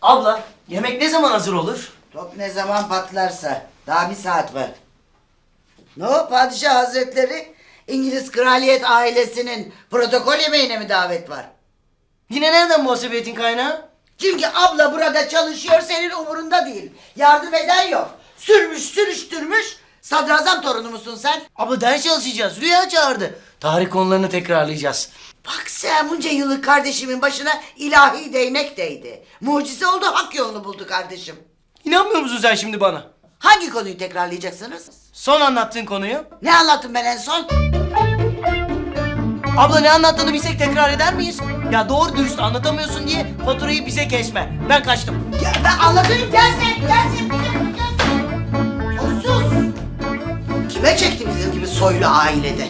Abla, yemek ne zaman hazır olur? Top ne zaman patlarsa. Daha bir saat var. Ne o padişah hazretleri? İngiliz kraliyet ailesinin protokol yemeğine mi davet var? Yine nereden muhasebiyetin kaynağı? Çünkü abla burada çalışıyor, senin umurunda değil. Yardım eden yok. Sürmüş sürüştürmüş. Sadrazam torunu musun sen? Abla ders çalışacağız. Rüya çağırdı. Tarih konularını tekrarlayacağız. Bak sen bunca yıllık kardeşimin başına ilahi değnek değdi. Mucize oldu, hak yolunu buldu kardeşim. İnanmıyor musun sen şimdi bana? Hangi konuyu tekrarlayacaksınız? Son anlattığın konuyu. Ne anlattım ben en son? Abla ne anlattığını bilsek tekrar eder miyiz? Ya doğru dürüst anlatamıyorsun diye faturayı bize kesme. Ben kaçtım. Ya ben anlatayım, gelsin. Sus. Kime çekti bizim gibi soylu ailede?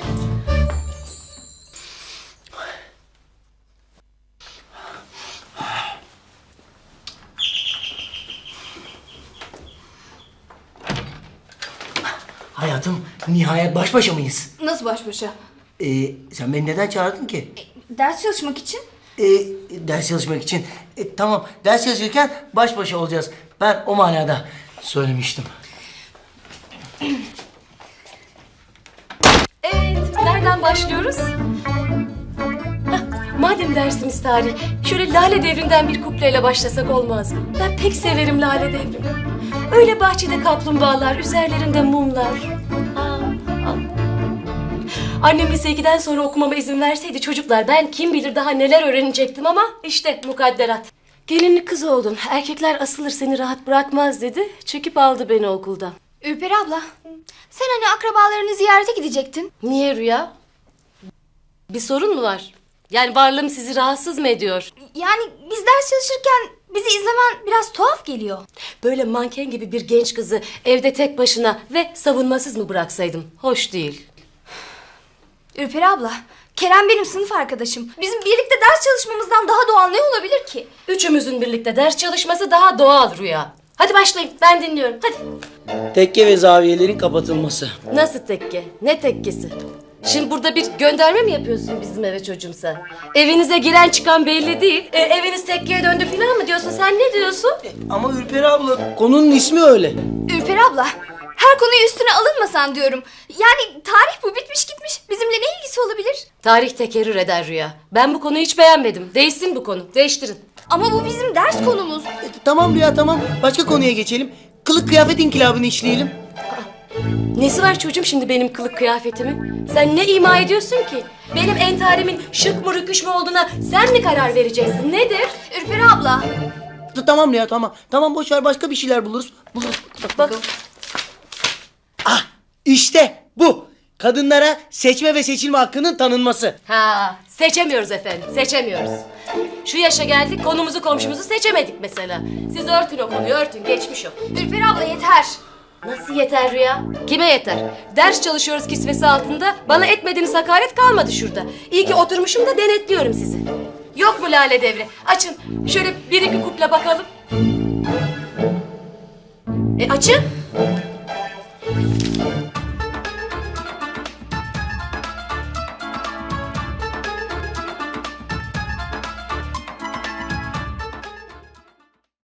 Hayatım, nihayet baş başa mıyız? Nasıl baş başa? Sen beni neden çağırdın ki? Ders çalışmak için. Ders çalışmak için. Tamam, ders çalışırken baş başa olacağız. Ben o manada söylemiştim. Evet, nereden başlıyoruz? Hah, madem dersimiz tarih, şöyle Lale Devri'nden bir kupleyle başlasak olmaz mı? Ben pek severim Lale Devri'ni. Öyle bahçede kaplumbağalar, üzerlerinde mumlar. Annem lise 2'den sonra okumama izin verseydi çocuklar, ben kim bilir daha neler öğrenecektim ama işte mukadderat. Gelinlik kız oldun, erkekler asılır seni rahat bırakmaz dedi, çekip aldı beni okuldan. Ürperi abla, sen hani akrabalarını ziyarete gidecektin. Niye Rüya? Bir sorun mu var? Yani varlığım sizi rahatsız mı ediyor? Yani biz ders çalışırken bizi izlemen biraz tuhaf geliyor. Böyle manken gibi bir genç kızı evde tek başına ve savunmasız mı bıraksaydım? Hoş değil. Ürperi abla, Kerem benim sınıf arkadaşım. Bizim birlikte ders çalışmamızdan daha doğal ne olabilir ki? Üçümüzün birlikte ders çalışması daha doğal Rüya. Hadi başlayın, ben dinliyorum. Hadi. Tekke ve zaviyelerin kapatılması. Nasıl tekke? Ne tekkesi? Şimdi burada bir gönderme mi yapıyorsun bizim eve çocuğum sen? Evinize giren çıkan belli değil. Eviniz tekkeye döndü falan mı diyorsun? Sen ne diyorsun? Ama Ürperi abla, konunun ismi öyle. Ürperi abla, her konuyu üstüne alınmasan diyorum. Yani tarih bu bitmiş gitmiş. Bizimle ne ilgisi olabilir? Tarih tekerrür eder Rüya. Ben bu konuyu hiç beğenmedim. Değişsin bu konu. Değiştirin. Ama bu bizim ders konumuz. Tamam Rüya, tamam. Başka konuya geçelim. Kılık kıyafet inkılabını işleyelim. Nesi var çocuğum şimdi benim kılık kıyafetimin? Sen ne ima ediyorsun ki? Benim entarimin şık mı rüküş mü olduğuna sen mi karar vereceksin? Nedir? Ürperi abla. Tamam Rüya, tamam. Tamam, boş ver, başka bir şeyler buluruz. Bak. Ah, işte bu. Kadınlara seçme ve seçilme hakkının tanınması. Ha, seçemiyoruz efendim, seçemiyoruz. Şu yaşa geldik, konumuzu komşumuzu seçemedik mesela. Siz örtün o konuyu, örtün, geçmiş o. Ürperi abla yeter. Nasıl yeter Rüya? Kime yeter? Ders çalışıyoruz kisvesi altında, bana etmediğiniz hakaret kalmadı şurada. İyi ki oturmuşum da denetliyorum sizi. Yok mu Lale Devri? Açın, şöyle bir iki kuple bakalım. Açın.